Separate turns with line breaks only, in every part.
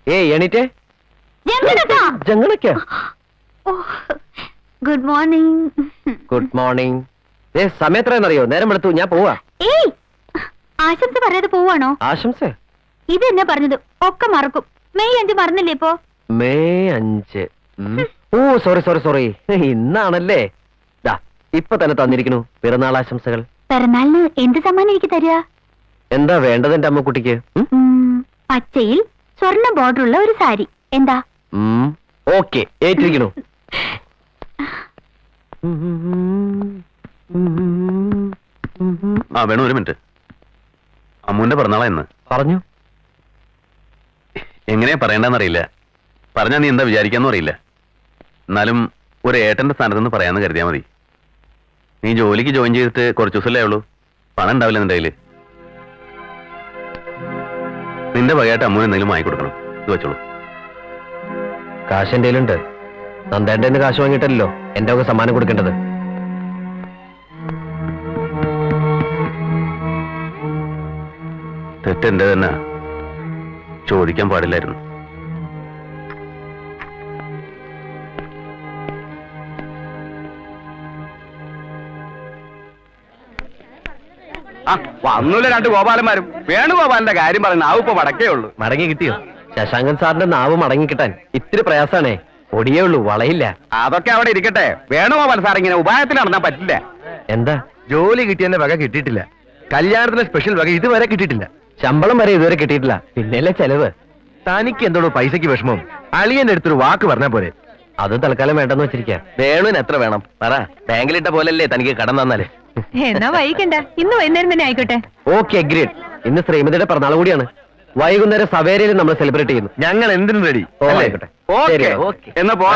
എണീറ്റേ.
Good morning.
Good morning. സമയത്രയെന്നറിയോ? നേരം എടുത്തു, ഞാൻ പോവാ.
ആശംസ പറയാതെ പോവാണോ?
ആശംസ
ഇത് എന്നെ പറഞ്ഞത് ഒക്കെ മറക്കും. മെയ് 5 മറന്നില്ലേ ഇപ്പോ?
മെയ് 5. ഓ സോറി. ഇന്നാണല്ലേ. ഇപ്പൊ തന്നെ തന്നിരിക്കണു പിറന്നാൾ ആശംസകൾ.
പിറന്നാളിന് എന്ത് സമ്മാനം എനിക്ക് തരിക?
എന്താ വേണ്ടത് എന്റെ അമ്മക്കുട്ടിക്ക്?
പച്ചയിൽ സ്വർണ്ണ ബോർഡർ ഉള്ള ഒരു സാരി. എന്താ?
ഓക്കെ, ഏറ്റിരിക്കണു.
വേണു, ഒരു മിനിറ്റ്. അമ്മുവിന്റെ പിറന്നാളാ ഇന്ന്.
പറഞ്ഞു.
എങ്ങനെയാ പറയണ്ടെന്നറിയില്ല. പറഞ്ഞാ നീ എന്താ വിചാരിക്കാന്നും അറിയില്ല. എന്നാലും ഒരു ഏട്ടന്റെ സ്ഥാനത്ത് നിന്ന് പറയാന്ന് കരുതിയാ മതി. നീ ജോലിക്ക് ജോയിൻ ചെയ്തിട്ട് കുറച്ച് ദിവസമല്ലേ ഉള്ളൂ. പണം ഉണ്ടാവില്ല നിന്റെ കയ്യില്. നിന്റെ വകയായിട്ട് അമ്മുവിന് എന്തെങ്കിലും വാങ്ങിക്കൊടുക്കണം. ഇത് വെച്ചോളൂ.
കാശ് എന്റെ കയ്യിലുണ്ട്. നന്ദേന്റെ കാശ് വാങ്ങിയിട്ടല്ലോ എന്റെ ഒക്കെ സമ്മാനം കൊടുക്കേണ്ടത്.
തെറ്റെന്റെ തന്നെ. ചോദിക്കാൻ പാടില്ലായിരുന്നു.
വന്നൂല രണ്ട് ഗോപാലന്മാരും. വേണുഗോപാലിന്റെ കാര്യം പറഞ്ഞ നാവ് ഇപ്പൊ മടക്കേ ഉള്ളൂ.
മടങ്ങി കിട്ടിയോ? ശശാങ്കൻ സാറിന്റെ നാവ് മടങ്ങി കിട്ടാൻ ഇത്തിരി പ്രയാസാണേ. ഒടിയേ ഉള്ളൂ, വളയില്ല.
അതൊക്കെ അവിടെ ഇരിക്കട്ടെ. വേണുഗോപാൽ സാർ ഇങ്ങനെ ഉപായത്തിൽ നടന്നാൻ പറ്റില്ല.
എന്താ?
ജോലി കിട്ടിയെന്ന വക കിട്ടിയിട്ടില്ല. കല്യാണത്തിന് സ്പെഷ്യൽ വക ഇതുവരെ കിട്ടിയിട്ടില്ല.
ശമ്പളം വരെ ഇതുവരെ കിട്ടിയിട്ടില്ല. പിന്നെയല്ലേ ചെലവ്.
തനിക്ക് എന്തോടോ പൈസക്ക് വിഷമം? അളിയന്റെ അടുത്തൊരു വാക്ക് പറഞ്ഞാ പോരെ.
അത് തൽക്കാലം വേണ്ടെന്ന് വെച്ചിരിക്കാം.
വേണുവിന് എത്ര വേണം പറ. ബാങ്കിലിട്ട പോലല്ലേ തനിക്ക് കടം തന്നാല്.
എന്നാ വൈകണ്ട, ഇന്ന് വൈകുന്നേരം തന്നെ ആയിക്കോട്ടെ.
Okay, agreed. ഇന്ന് ശ്രീമതിയുടെ പിറന്നാൾ കൂടിയാണ്. വൈകുന്നേരം സവേരയിൽ നമ്മൾ സെലിബ്രേറ്റ് ചെയ്യുന്നു.
ഞങ്ങൾ എന്തിനും റെഡി. എന്നാ പോവാ.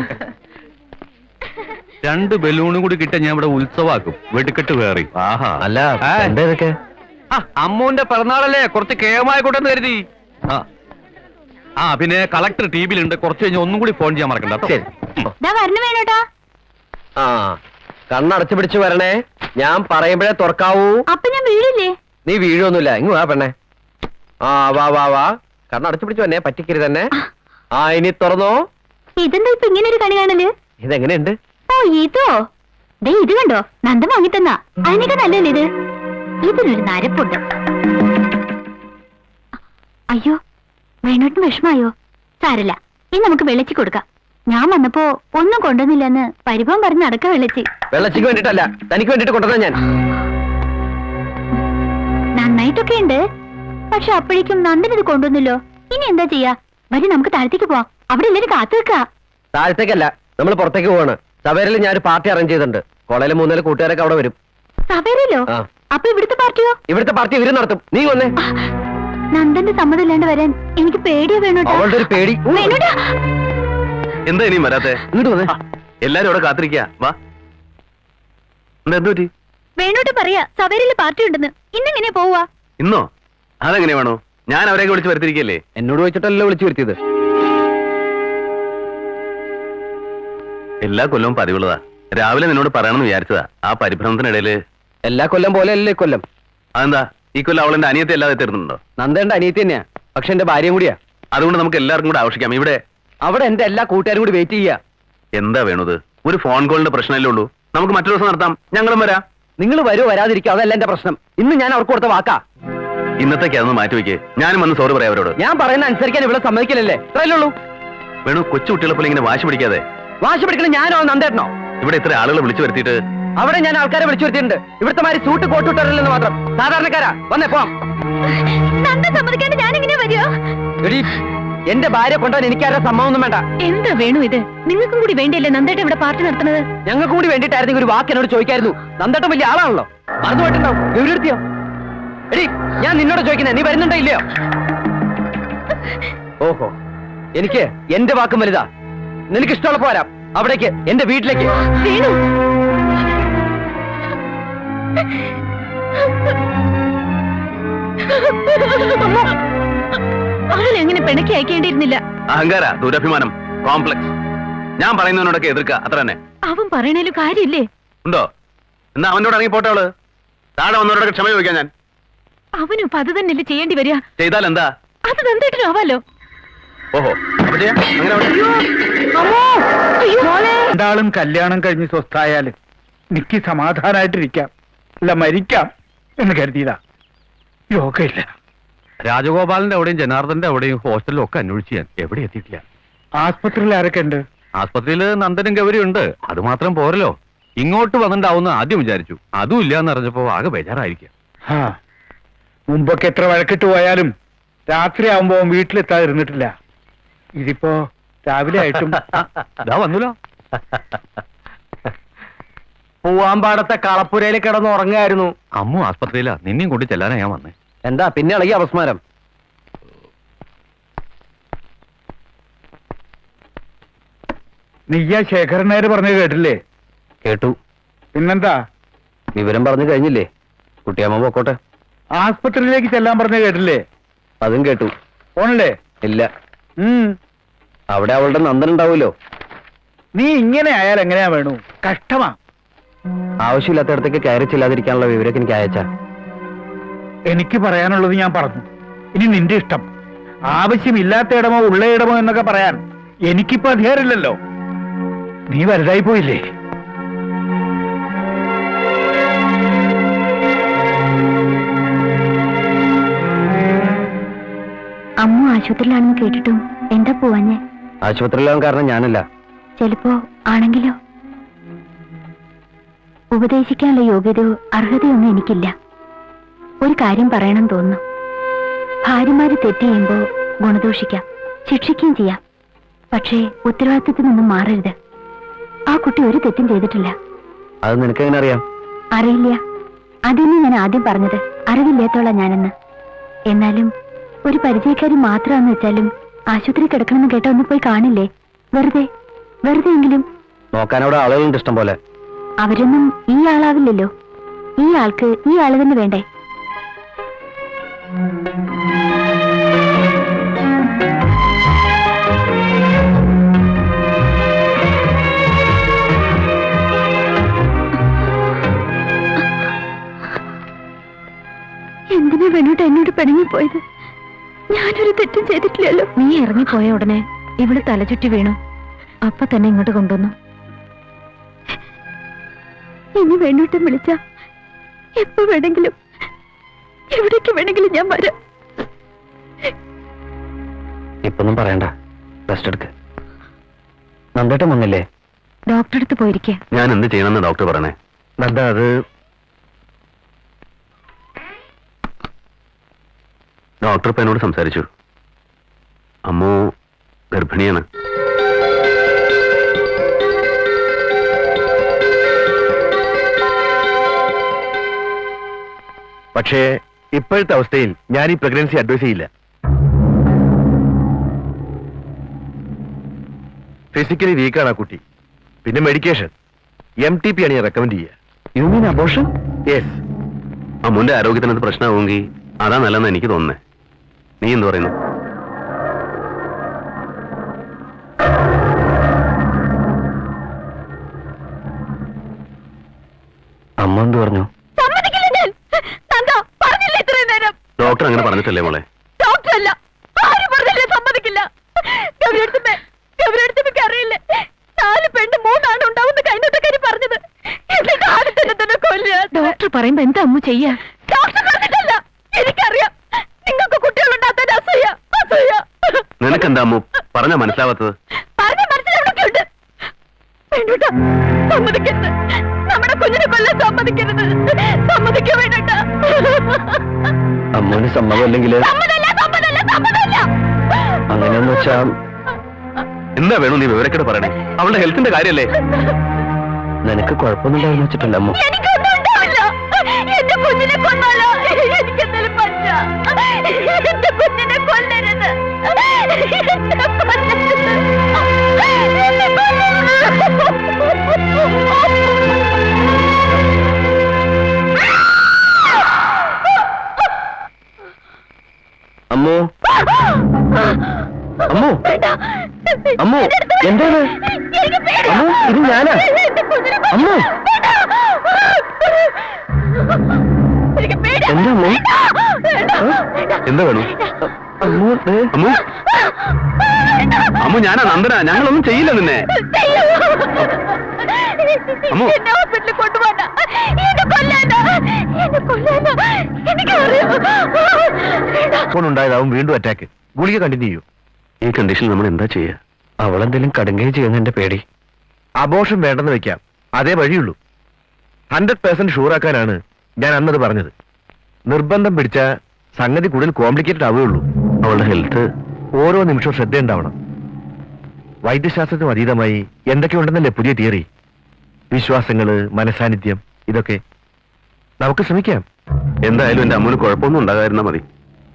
2 ബലൂണും കൂടി കിട്ടാൻ ഞാൻ ഇവിടെ ഉത്സവാക്കും. വെടിക്കെട്ട് വേറി.
അല്ല എന്താ ഇതൊക്കെ?
അമ്മുവിന്റെ പിറന്നാളല്ലേ, കുറച്ച് കേമായിക്കോട്ടെന്ന് കരുതി.
പിന്നെ കളക്ടർ ടിവിയിലുണ്ട്. കുറച്ച് കഴിഞ്ഞ് ഒന്നും കൂടി ഫോൺ ചെയ്യാൻ മറക്കണ്ട.
ശരി.
വേണോട്ടാ.
കണ്ണടച്ചു പിടിച്ചു വരണേ. ഞാൻ പറയുമ്പോഴേ തുറക്കാവൂ.
അപ്പൊ ഞാൻ വീഴില്ലേ?
നീ വീഴൊന്നുമില്ല. ഇങ്ങ് വാ പെണ്ണേ. വാ. കണ്ണടച്ചു പിടിച്ചു വന്നേ, പറ്റിക്കരുത് തന്നെ. ഇനി തുറന്നോ.
ഇതെന്താ ഇപ്പൊ ഇങ്ങനെ ഒരു കണി കാണല്?
ഇതെങ്ങനെയുണ്ട്?
ഓ ഇതോ? ദേ ഇത് കണ്ടോ, നന്ദ വാങ്ങിത്തന്നാ. അതിനൊക്കെ നല്ലല്ലേ ഇത്? ഇതിനൊരു നരപ്പുണ്ട്. അയ്യോ, വേണോട്ടിന് വിഷമായോ? സാരല്ല, ഇനി നമുക്ക് വെള്ളച്ചി കൊടുക്കാം. ഞാൻ വന്നപ്പോ ഒന്നും കൊണ്ടുവന്നില്ലെന്ന് പരിഭവം പറഞ്ഞ് നടക്ക വെള്ളച്ചി.
വെള്ളച്ചിക്ക് വേണ്ടിട്ടല്ല, തനിക്ക് വേണ്ടിട്ട് കൊണ്ടുവന്ന ഞാൻ.
നന്നായിട്ടൊക്കെ ഉണ്ട്. പക്ഷെ അപ്പോഴേക്കും നന്ദൻ ഇത് കൊണ്ടുവന്നല്ലോ. ഇനി എന്താ ചെയ്യാ? വരി, നമുക്ക് താഴത്തേക്ക് പോവാം. അവിടെ എല്ലാരും കാത്തു വെക്കാ.
താഴത്തേക്കല്ല, നമ്മൾ പുറത്തേക്ക് പോവാണ്. സവേരയിൽ ഞാൻ ഒരു പാർട്ടി അറേഞ്ച് ചെയ്തിട്ടുണ്ട്. കോളേജിലെ 3 കൂട്ടുകാരൊക്കെ അവിടെ വരും.
സവേരയിലോ? അപ്പൊ ഇവിടുത്തെ പാർട്ടിയോ?
ഇവിടുത്തെ പാർട്ടി ഇവര് നടത്തും. നീ വന്നേ.
നന്ദന്റെ സമ്മതം ഇല്ലാണ്ട് വരാൻ എനിക്ക് പേടിയാ. വേണോട്ടാ,
അവളുടെ ഒരു പേടി.
വേണോട്ടാ.
എന്താ ഇനിയും വരാത്തെ?
ഇങ്ങോട്ട് വന്നേ.
എല്ലാരും അവിടെ കാത്തിരിക്കാ. വാ. എന്താ എന്ത് പറ്റി?
വേണോട്ട് പറയാ സവേരയില് പാർട്ടി ഉണ്ടെന്ന്. ഇന്നെങ്ങനെയാ പോവാ?
ഇന്നോ? അതെങ്ങനെ വേണോ? ഞാൻ അവരെയൊക്കെ വിളിച്ച് വരുത്തിരിക്കല്ലേ.
എന്നോട് ചോദിച്ചിട്ടല്ലോ വിളിച്ചു വരുത്തിയത്.
എല്ലാ കൊല്ലവും പതിവുള്ളതാ. രാവിലെ നിന്നോട് പറയണമെന്ന് വിചാരിച്ചതാ. ആ പരിഭ്രമത്തിനിടയില്.
എല്ലാ കൊല്ലം പോലെ അല്ലേ ഇക്കൊല്ലം?
അതെന്താ ഈ കൊല്ലം അവളെന്റെ അനിയത്തെ അല്ലാതെ തീർന്നുണ്ടോ?
നന്ദേണ്ട അനിയത്തി തന്നെയാ, പക്ഷെ എന്റെ ഭാര്യയും കൂടിയാ.
അതുകൊണ്ട് നമുക്ക് എല്ലാവർക്കും കൂടെ ആവശ്യിക്കാം.
അവിടെ എന്റെ എല്ലാ കൂട്ടുകാരും കൂടി വെയിറ്റ് ചെയ്യാ.
എന്താ വേണത്? ഒരു ഫോൺ കോളിന്റെ പ്രശ്നമല്ലേ ഉള്ളൂ. നമുക്ക് മറ്റൊരു ദിവസം നടത്താം. ഞങ്ങളും വരാം.
നിങ്ങൾ വരുമോ വരാതിരിക്കോ, അതല്ല എന്റെ പ്രശ്നം. ഇന്ന് ഞാൻ അവർക്ക് കൊടുത്ത വാക്കാ.
ഇന്നത്തേക്ക് അതൊന്ന് മാറ്റിവെക്കേ. ഞാനും വന്ന് സോറി പറയാം അവരോട്.
ഞാൻ പറയുന്ന അനുസരിക്കാൻ ഇവിടെ സമ്മതിക്കില്ലല്ലേ? ഇത്രയല്ലേ ഉള്ളൂ.
വേണു, കൊച്ചു കുട്ടികളെ പോലെ ഇങ്ങനെ വാശി പിടിക്കാതെ.
വാശി പിടിക്കണം ഞാനോ നന്ദേട്ടനോ?
ഇവിടെ ഇത്ര ആളുകളെ വിളിച്ചു വരുത്തിയിട്ട്.
അവിടെ ഞാൻ ആൾക്കാരെ വിളിച്ചു വരുത്തിയിട്ടുണ്ട്. ഇവിടുത്തെ മാതിരി സൂട്ട് കോട്ടിട്ടറില്ലെന്ന് മാത്രം. സാധാരണക്കാരാ. വന്നേ പോവാം.
നന്ദ സമ്മതിക്കാണ്ട് ഞാൻ എങ്ങനെയാ വരിക?
എന്റെ ഭാര്യ കൊണ്ടുപോകാൻ എനിക്കാരുടെ സമ്മതമൊന്നും വേണ്ട.
എന്താ വേണു ഇത്? നിങ്ങൾക്കും കൂടി വേണ്ടിയല്ലേ നന്ദേട്ടൻ ഇവിടെ പാർട്ടി നടത്തുന്നത്?
ഞങ്ങൾക്ക് കൂടി വേണ്ടിയിട്ടായിരുന്നെങ്കിൽ ഒരു വാക്ക് എന്നോട് ചോദിക്കായിരുന്നു. നന്ദേട്ടൻ വലിയ ആളാണല്ലോ, മറന്നു പോയിട്ടുണ്ടാവും. വിവരെടുത്തിയോ? എടി, ഞാൻ നിന്നോട് ചോദിക്കുന്നേ, നീ വരുന്നുണ്ടോ ഇല്ലയോ? ഓഹോ, എനിക്ക് എന്റെ വാക്കും വലുതാ. നിനക്ക് ഇഷ്ടമുള്ളപ്പോ വരാം. അവിടേക്ക്, എന്റെ വീട്ടിലേക്ക്.
വേണു, അവനെങ്ങനെ പിണക്കി അയക്കേണ്ടിയിരുന്നില്ല.
അഹങ്കാര, ദുരഭിമാനം, കോംപ്ലക്സ്. ഞാൻ പറയുന്നതിനോടൊക്കെ എതിർക്കുക, അത്ര തന്നെ.
അവൻ പറയണേലും കാര്യമില്ലേ?
ഉണ്ടോ? എന്നാ അവനോട് ഇറങ്ങി പോട്ടെ. അവള് താഴെ വന്നവരോടൊക്കെ ക്ഷമ ചോദിക്കാൻ ഞാൻ.
അവനും അത് തന്നെയല്ലേ ചെയ്യേണ്ടി വരിക.
ചെയ്താൽ എന്താ?
അത് നന്ദേട്ടനും ആവാലോ.
ഓഹോ അപ്പൊ ചെയ്യാം അങ്ങനെ ആവട്ടെ.
രണ്ടാളും കല്യാണം കഴിഞ്ഞ് സ്വസ്ഥായാല് എനിക്ക് സമാധാനായിട്ടിരിക്കാം, അല്ല മരിക്കാം എന്ന് കരുതിയതാ. യോഗയില്ല.
രാജഗോപാലിന്റെ അവിടെയും ജനാർദ്ദന്റെ അവിടെയും ഹോസ്റ്റലിലും ഒക്കെ അന്വേഷിച്ച് ഞാൻ എവിടെ എത്തിയിട്ടില്ല.
ആസ്പത്രിയിൽ ആരൊക്കെ ഉണ്ട്?
ആസ്പത്രിയിൽ നന്ദനും ഗൗരിയും ഉണ്ട്. അത് മാത്രം പോരല്ലോ, ഇങ്ങോട്ട് വന്നിട്ടുണ്ടാവുന്ന ആദ്യം വിചാരിച്ചു. അതും ഇല്ലാന്ന് അറിഞ്ഞപ്പോ ആകെ ബേജാറായിരിക്കാം.
ആ മുമ്പൊക്കെ എത്ര വഴക്കിട്ട് പോയാലും രാത്രി ആവുമ്പോ വീട്ടിലെത്താതിരുന്നിട്ടില്ല. ഇതിപ്പോ രാവിലെ ആയിട്ടും
ഇതാ വന്നല്ലോ.
പൂവാമ്പാടത്തെ കളപ്പുരയിൽ കിടന്ന് ഉറങ്ങായിരുന്നു.
അമ്മു ആസ്പത്രിയിലാ, നിന്നെയും കൊണ്ട് ചെല്ലാനാ ഞാൻ വന്നേ.
എന്താ പിന്നെ ഇളകി അപസ്മാരം?
നീയാ ശേഖരനേര് പറഞ്ഞത് കേട്ടില്ലേ?
കേട്ടു.
പിന്നെന്താ?
വിവരം പറഞ്ഞു കഴിഞ്ഞില്ലേ? കുട്ടിയമ്മ പൊക്കോട്ടെ.
ആസ്പത്രിയിലേക്ക് ചെല്ലാൻ പറഞ്ഞത് കേട്ടില്ലേ?
അതും കേട്ടു.
പോണല്ലേ?
ഇല്ല,
ഉം.
അവിടെ അവളുടെ നന്ദൻ ഉണ്ടാവൂലോ.
നീ ഇങ്ങനെ ആയാൽ എങ്ങനെയാ വേണു? കഷ്ടമാ.
ആവശ്യമില്ലാത്തടത്തേക്ക് കയറി ചെല്ലാതിരിക്കാനുള്ള വിവരമൊക്കെ എനിക്ക് അയച്ചാ.
എനിക്ക് പറയാനുള്ളത് ഞാൻ പറഞ്ഞു. ഇനി നിന്റെ ഇഷ്ടം. ആവശ്യമില്ലാത്ത ഇടമോ ഉള്ള ഇടമോ എന്നൊക്കെ പറയാൻ എനിക്കിപ്പോ അധികാരമില്ലല്ലോ. നീ വലുതായി പോയില്ലേ?
അമ്മു ആശുപത്രിയിലാണെന്ന് കേട്ടിട്ടും എന്താ പോവാഞ്ഞേ?
ആശുപത്രിയിലാവാൻ കാരണം ഞാനല്ല.
ചിലപ്പോ ആണെങ്കിലോ? ഉപദേശിക്കാനുള്ള യോഗ്യതയോ അർഹതയൊന്നും എനിക്കില്ല. ഒരു കാര്യം പറയണം തോന്നുന്നു. ഭാര്യമാര് തെറ്റ് ചെയ്യുമ്പോ ഗുണദോഷിക്കാം, ശിക്ഷിക്കുകയും ചെയ്യാം. പക്ഷേ ഉത്തരവാദിത്തത്തിൽ നിന്നും മാറരുത്. ആ കുട്ടി ഒരു തെറ്റും ചെയ്തിട്ടില്ല.
അത് നിനക്കെങ്ങനെ അറിയാം?
അറിയില്ല. അതന്നെ ഞാൻ ആദ്യം പറഞ്ഞത്. അറിവില്ലാത്തോളാം ഞാനെന്ന്. എന്നാലും ഒരു പരിചയക്കാരി മാത്രമാണെന്ന് വെച്ചാലും ആശുപത്രി കിടക്കണമെന്ന് കേട്ട ഒന്ന് പോയി കാണില്ലേ? വെറുതെ എങ്കിലും.
നോക്കാനവിടെ ആളുകളുണ്ട് ഇഷ്ടം പോലെ.
അവരൊന്നും ഈ ആളാവില്ലല്ലോ. ഈ ആൾക്ക് ഈ ആള് തന്നെ വേണ്ടേ? എന്തിനാ വേണോട്ട് എന്നോട് പിണങ്ങിപ്പോയത്? ഞാനൊരു തെറ്റും ചെയ്തിട്ടില്ലല്ലോ. നീ ഇറങ്ങിപ്പോയ ഉടനെ ഇവിടെ തലചുറ്റി വീണു. അപ്പൊ തന്നെ ഇങ്ങോട്ട് കൊണ്ടുവന്നു. ഇനി വേണോട്ടും വിളിച്ച എപ്പോ വേണമെങ്കിലും എവിടേക്ക് വേണമെങ്കിലും ഞാൻ വരാം.
ഇപ്പൊന്നും പറയണ്ട, റെസ്റ്റ് എടുക്ക്. നന്ദേട്ടൻ വന്നില്ലേ?
ഡോക്ടറെ അടുത്ത് പോയിരിക്കുക.
ഞാൻ എന്ത് ചെയ്യണമെന്ന് ഡോക്ടർ പറയണേ?
നന്ദ, അത്
ഡോക്ടർ ഇപ്പൊ എന്നോട് സംസാരിച്ചു. അമ്മു ഗർഭിണിയാണ്.
പക്ഷേ ഇപ്പോഴത്തെ അവസ്ഥയിൽ ഞാൻ ഈ പ്രഗ്നൻസി അഡ്വൈസ് ചെയ്യില്ല. ഫിസിക്കലി വീക്കാണ് ആ കുട്ടി. പിന്നെ മെഡിക്കേഷൻ MTP ആണ് ഞാൻ റെക്കമെൻഡ് ചെയ്യുക.
You mean abortion?
യെസ്.
അമ്മുന്റെ ആരോഗ്യത്തിന് അത് പ്രശ്നമാവുമെങ്കിൽ അതാ നല്ലതെന്ന് എനിക്ക് തോന്നുന്നേ. നീ എന്ത് പറയുന്നു?
അമ്മ എന്ത് പറഞ്ഞു?
ഡോക്ടർ അങ്ങനെ പറഞ്ഞിട്ടല്ലേ മോളെ?
ഡോക്ടറല്ല, ആരും പറഞ്ഞില്ല, സമ്മതിക്കില്ല. അറിയില്ലേ 4 പെണ്ണ് 3 ആണ് ഉണ്ടാവുന്ന കഴിഞ്ഞിട്ടൊക്കെ പറഞ്ഞത്. എന്നിട്ട് ആദ്യത്തെ തന്നെ കൊല്ലുക. ഡോക്ടർ പറയുമ്പോ എന്താ അമ്മ ചെയ്യാ? ഡോക്ടർ പറഞ്ഞിട്ടല്ല, എനിക്കറിയാം. നിങ്ങൾക്ക് കുട്ടികളുണ്ടാകാൻ അസൂയ.
നിനക്കെന്താ അമ്മു പറഞ്ഞാ മനസ്സിലാവാത്തത്?
പറഞ്ഞ മനസ്സിലൊക്കെ ഉണ്ട്. വേണ്ടൂട്ട, സമ്മതിക്കരുത്. നമ്മുടെ കുഞ്ഞിനെ കൊല്ലാൻ സമ്മതിക്കരുത്. സമ്മതിക്കോ വേണ്ടൂട്ട.
അമ്മൂന് സമ്മതമല്ലെങ്കിൽ അങ്ങനെയെന്ന് വെച്ചാ
എന്താ വേണു നീ വിവരക്കേട് പറയണേ? അവളുടെ ഹെൽത്തിന്റെ കാര്യല്ലേ?
നിനക്ക് കുഴപ്പമൊന്നുണ്ടാവുന്ന വെച്ചിട്ടില്ല അമ്മു.
എനിക്കൊന്നും ഉണ്ടാവില്ല. എന്റെ കുഞ്ഞിനെ കൊന്നാലോ? എനിക്കെന്തായാലും പറ്റ. എന്റെ കുഞ്ഞിനെ കൊല്ലരുത്. എന്നെ കൊല്ലരുത്.
അമ്മു, അമ്മു, അമ്മു, എന്താണ്? അമ്മു, ഇത് ഞാനാ. അമ്മു, എന്താ അമ്മു?
എന്താ വേണു?
അമ്മു,
അമ്മു അമ്മു ഞാനാ നന്ദന, ഞങ്ങളൊന്നും ചെയ്യില്ല നിന്നെ. അമ്മു.
ഉണ്ടായതാവും വീണ്ടും അറ്റാക്ക്. ഗുളിക കണ്ടിന്യൂ ചെയ്യൂ.
ഈ കണ്ടീഷനിൽ നമ്മൾ എന്താ ചെയ്യുക?
അവളെന്തെങ്കിലും കടുങ്ങുകയും ചെയ്യുന്നതിന്റെ പേടി. അബോഷം വേണ്ടെന്ന് വെക്കാം, അതേ വഴിയുള്ളൂ. 100% ഷൂറാക്കാനാണ് ഞാൻ അന്നത് പറഞ്ഞത്. നിർബന്ധം പിടിച്ച സംഗതി കൂടുതൽ കോംപ്ലിക്കേറ്റഡ് ആവുകയുള്ളൂ.
അവളുടെ ഹെൽത്ത്
ഓരോ നിമിഷവും ശ്രദ്ധയുണ്ടാവണം. വൈദ്യശാസ്ത്രത്തിനും അതീതമായി എന്തൊക്കെയുണ്ടെന്നല്ലേ പുതിയ തിയറി. വിശ്വാസങ്ങള്, മനസാന്നിധ്യം, ഇതൊക്കെ നമുക്ക് ശ്രമിക്കാം.
എന്തായാലും എന്റെ അമ്മൂന് കുഴപ്പമൊന്നും ഉണ്ടാകാതിരുന്നാ മതി.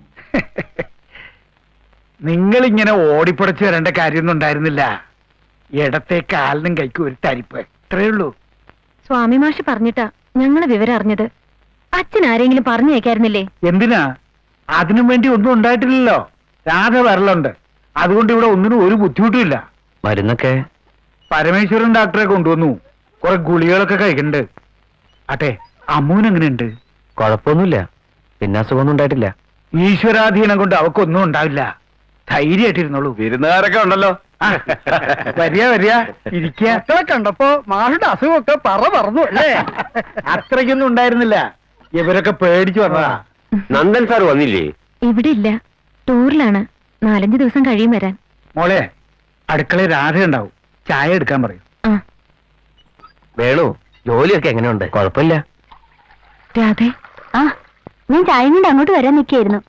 നിങ്ങളിങ്ങനെ ഓടിപ്പടച്ച് വരേണ്ട കാര്യമൊന്നും ഉണ്ടായിരുന്നില്ല. ഇടത്തെ കാലിനും കൈക്കും ഒരു തരിപ്പ്, ഇത്രയേ ഉള്ളൂ.
സ്വാമി മാഷ് പറഞ്ഞിട്ടാ ഞങ്ങള് വിവരം അറിഞ്ഞത്. അച്ഛൻ ആരെങ്കിലും പറഞ്ഞേക്കായിരുന്നില്ലേ?
എന്തിനാ? അതിനും വേണ്ടി ഒന്നും ഉണ്ടായിട്ടില്ലല്ലോ. രാധ വരലുണ്ട്, അതുകൊണ്ട് ഇവിടെ ഒന്നിനും ഒരു ബുദ്ധിമുട്ടുമില്ല.
മരുന്നൊക്കെ
പരമേശ്വരൻ ഡോക്ടറെ കൊണ്ടുവന്നു. കുറെ ഗുളികളൊക്കെ കഴിക്കുന്നുണ്ട്. അട്ടെ, അമ്മൂനെങ്ങനെയുണ്ട്?
കുഴപ്പമൊന്നുമില്ല, പിന്നെ അസുഖമൊന്നും ഉണ്ടായിട്ടില്ല.
ഈശ്വരാധീനം കൊണ്ട് അവക്കൊന്നും ഉണ്ടാവില്ല. ധൈര്യമായിട്ടിരുന്നോളൂ.
വിരുന്നുകാരൊക്കെ ഉണ്ടല്ലോ.
വരിക വരിക, ഇരിക്കുക. കണ്ടപ്പോ മാഷുടെ അസുഖമൊക്കെ പറന്നു അല്ലേ? അത്രയ്ക്കൊന്നും ഉണ്ടായിരുന്നില്ല. ഇവരൊക്കെ പേടിച്ചു വന്നതാ.
നന്ദൻ സാർ വന്നില്ലേ?
ഇവിടെ ഇല്ല, ടൂറിലാണ്. 4-5 ദിവസം കഴിയും വരാൻ.
മോളെ, അടുക്കളയിൽ രാധ ഉണ്ടാവും, ചായ എടുക്കാൻ പറയും.
ആ
വേണു, ജോലിയൊക്കെ എങ്ങനെയുണ്ട്? കുഴപ്പമില്ല.
രാധേ, ആ ഞാൻ ചായ കൊണ്ട് അങ്ങോട്ട് വരാൻ നിൽക്കായിരുന്നു.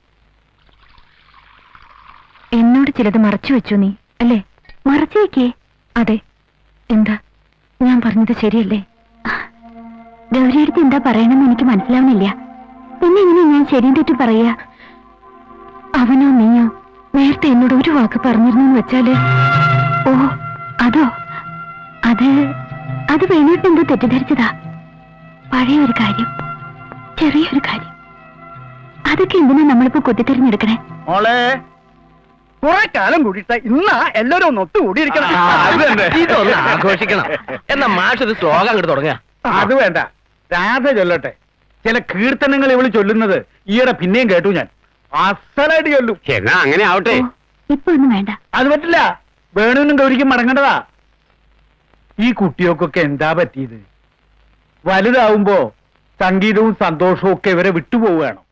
എന്നോട് ചിലത് മറച്ചു വെച്ചു നീ അല്ലേ? മറച്ചു വെക്കേ? അതെ. എന്താ ഞാൻ പറഞ്ഞത് ശരിയല്ലേ? ഗൗരിയെടുത്ത് എന്താ പറയണമെന്ന് എനിക്ക് മനസ്സിലാവുന്നില്ല. പിന്നെ എങ്ങനെ ഞാൻ ശരിയും തെറ്റും പറയാ? അവനോ നീയോ നേരത്തെ എന്നോട് ഒരു വാക്ക് പറഞ്ഞിരുന്നു വെച്ചാല്? ഓ അതോ? അത് വേണിയിട്ട് എന്തോ തെറ്റിദ്ധരിച്ചതാ. പഴയൊരു കാര്യം, ചെറിയൊരു കാര്യം. അതൊക്കെ എന്തിനാ നമ്മളിപ്പോ കൊത്തിത്തെരഞ്ഞെടുക്കണേ?
മോളെ, കുറെ കാലം കൂടിയിട്ട് ഇന്നാ എല്ലാരും ഒന്ന് ഒത്തുകൂടിയിരിക്കണം.
ഇതൊന്ന് ആഘോഷിക്കണം. എന്നാ മാഷ് ഒരു ശ്ലോകം അങ്ങോട്ട് തുടങ്ങുക.
അത് വേണ്ട, രാധ ചൊല്ലട്ടെ. ചില കീർത്തനങ്ങൾ ഇവള് ചൊല്ലുന്നത് ഈയിടെ പിന്നെയും കേട്ടു ഞാൻ. അസലായിട്ട് ചൊല്ലും.
എന്നാ അങ്ങനെ ആവട്ടെ.
ഇപ്പൊ ഒന്നും വേണ്ട.
അത് പറ്റില്ല, വേണുവിനും ഗൗരിക്കും മടങ്ങേണ്ടതാ. ഈ കുട്ടികൾക്കൊക്കെ എന്താ പറ്റിയത്? വലുതാവുമ്പോ സംഗീതവും സന്തോഷവും ഒക്കെ ഇവരെ വിട്ടുപോവുകയാണോ?